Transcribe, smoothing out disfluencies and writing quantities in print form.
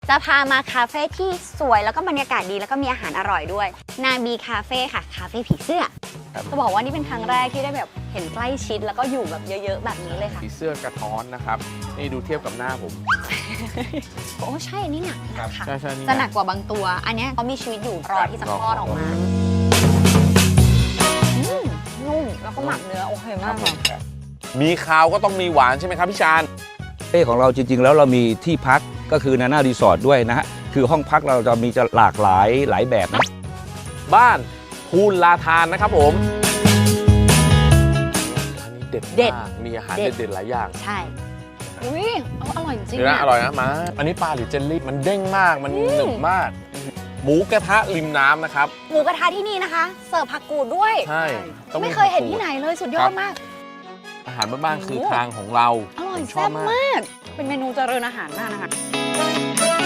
จะพามาคาเฟ่ที่สวยแล้วก็บรรยากาศดีแล้วก็มีอาหารอร่อยด้วยนาบีคาเฟ่ค่ะคาเฟ่ผีเสื้อจะบอกว่านี่เป็นครั้งแรกที่ได้แบบเห็นใกล้ชิดแล้วก็อยู่แบบเยอะๆแบบนี้เลยค่ะผีเสื้อกระท้อนนะครับนี่ดูเทียบกับหน้าผมโอ้ใช่อันนี้หนักค่ะใช่ๆจะหนักกว่าบางตัว อันเนี้ยเขามีชีวิตอยู่รอที่จะคลอดออกมานุ่มแล้วก็หมักเนื้อโอเคมากเลยมีคาวก็ต้องมีหวานใช่ไหมครับพี่ชาญคาเฟ่ของเราจริงๆแล้วเรามีที่พักก็คือนาน่ารีสอร์ทด้วยนะฮะคือห้องพักเราจะมีหลากหลายแบบนะบ้านภูลาทานนะครับผมอันนี้เด็ดมากมีอาหารเด็ดๆหลายอย่างใช่อุ้ยอร่อยจริงเดี๋ยวนะอะอร่อยนะมาอันนี้ปลาหรือเจลลี่มันเด้งมากมันหนึบมาก หมูกระทะริมน้ำนะครับหมูกระทะที่นี่นะคะ เสิร์ฟผักกูดด้วยใช่ต้องไม่เคยเห็นที่ไหนเลยสุดยอดมากอาหารบ้านๆคือทางของเราอร่อยผมชแซ่อบบมากมาก เป็นเมนูเจริญอาหารมากนะคะ